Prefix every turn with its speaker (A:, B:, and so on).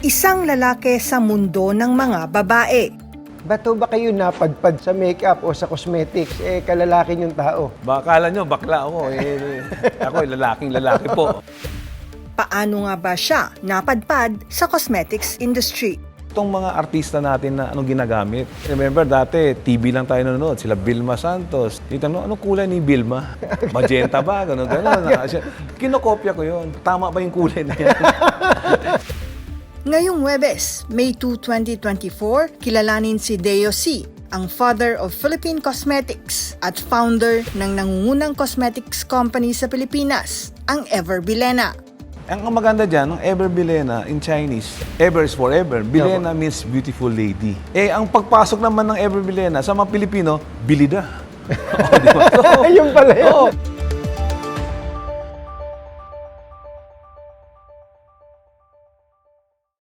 A: Isang lalaki sa mundo ng mga babae.
B: Bato ba kayo napadpad sa makeup o sa cosmetics? Kalalaki yung tao.
C: Baka akala nyo, bakla ako. Ako, lalaking-lalaki po.
A: Paano nga ba siya napadpad sa cosmetics industry?
C: Itong mga artista natin na anong ginagamit. Remember, dati, TV lang tayo nanonood. Sila Vilma Santos. Titanong, anong kulay ni Vilma? Magenta ba? Ganon. Kinokopya ko yun. Tama ba yung kulay na yan?
A: Ngayong Huwebes, May 2, 2024, kilalanin si Deo C., ang father of Philippine Cosmetics at founder ng nangungunang cosmetics company sa Pilipinas, ang Ever Bilena.
C: Ang maganda dyan, ang Ever Bilena in Chinese, Ever is forever. Bilena means beautiful lady. Ang pagpasok naman ng Ever Bilena sa mga Pilipino, Bilida.
B: Ayun pala yun.
C: Oo.